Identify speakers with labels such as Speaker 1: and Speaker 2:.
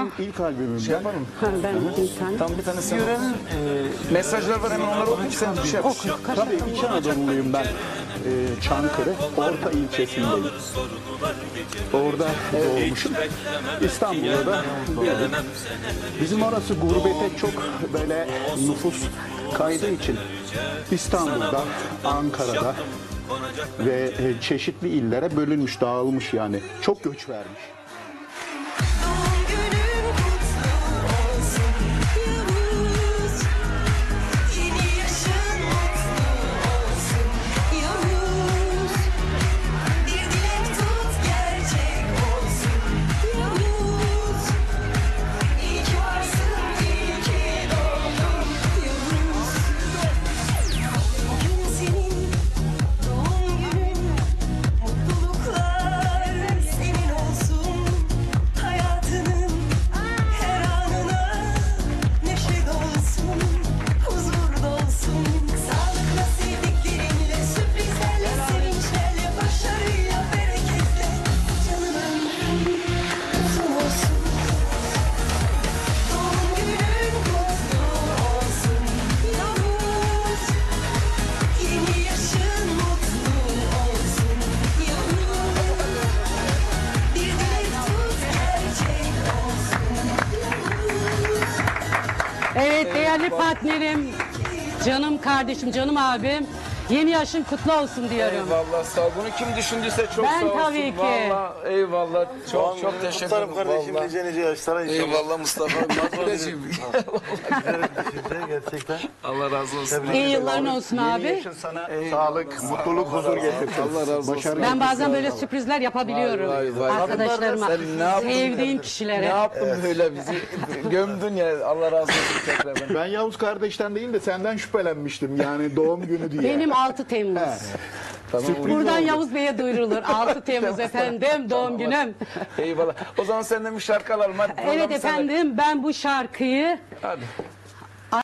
Speaker 1: benim ilk albümüm.
Speaker 2: Şey yapalım.
Speaker 3: Ben bir tane.
Speaker 2: Tam bir tane sen mesajlar var, hemen onları okuyup sen bir şey yap.
Speaker 1: Tabii İç Anadolu'luyum ben. Çankırı Orta ilçesindeyim. Orada doğmuşum. İstanbul'da da büyüdüm. Bizim orası gurbete çok böyle nüfus kaydığı için İstanbul'da, Ankara'da ve çeşitli illere bölünmüş, dağılmış yani. Çok göç vermiş.
Speaker 4: Doğum günün kutlu olsun Yavuz. Yeni yaşın mutlu olsun Yavuz. Bir dilek tut gerçek olsun Yavuz. İyi ki varsın, iyi ki doğdun Yavuz. Bugün senin doğum günün, mutluluklar senin olsun. Hayatının her anına neşe dolsun, huzur dolsun. Sağlıkla, sevdiklerinle, sürprizlerle, sevinçlerle, başarıyla, bereketle. Canım ömrün uzun olsun. Doğum günün kutlu olsun Yavuz. Yeni yaşın mutlu olsun Yavuz. Bir dilek tut gerçek olsun Yavuz.
Speaker 3: Evet değerli partnerim, canım kardeşim, canım abim. Yeni yaşın kutlu olsun diyorum.
Speaker 2: Eyvallah, sağ ol. Bunu kim düşündüyse çok
Speaker 3: Ben
Speaker 2: sağ olsun.
Speaker 3: tabii ki.
Speaker 2: Vallahi eyvallah. Çok çok teşekkür ederim.
Speaker 5: kardeşim
Speaker 2: Vallahi.
Speaker 5: nice nice yaşlara inşallah.
Speaker 2: Eyvallah Mustafa. Nasılsın?
Speaker 5: Gerçekten.
Speaker 2: Allah razı olsun.
Speaker 3: İyi yılların olsun abi.
Speaker 1: Yaşın sana sağlık, mutluluk, huzur getirsin.
Speaker 2: Allah razı olsun.
Speaker 1: Başarı
Speaker 3: Ben bazen böyle sürprizler yapabiliyorum
Speaker 2: Vay, vay, vay.
Speaker 3: arkadaşlarıma,
Speaker 2: Sen ne yaptın?
Speaker 3: sevdiğim
Speaker 2: Ne
Speaker 3: kişilere.
Speaker 2: yaptın böyle bizi gömdün ya. Allah razı olsun tekrardan.
Speaker 1: Ben Yavuz kardeşten değil de senden şüphelenmiştim yani doğum günü diye.
Speaker 3: Benim 6 Temmuz.
Speaker 2: Tamam.
Speaker 3: Buradan Yavuz Bey'e duyurulur. 6 Temmuz efendim doğum günüm.
Speaker 2: Eyvallah. O zaman senden bir şarkı alalım. Hadi,
Speaker 3: Evet
Speaker 2: programı sana-
Speaker 3: efendim ben bu şarkıyı
Speaker 2: Hadi.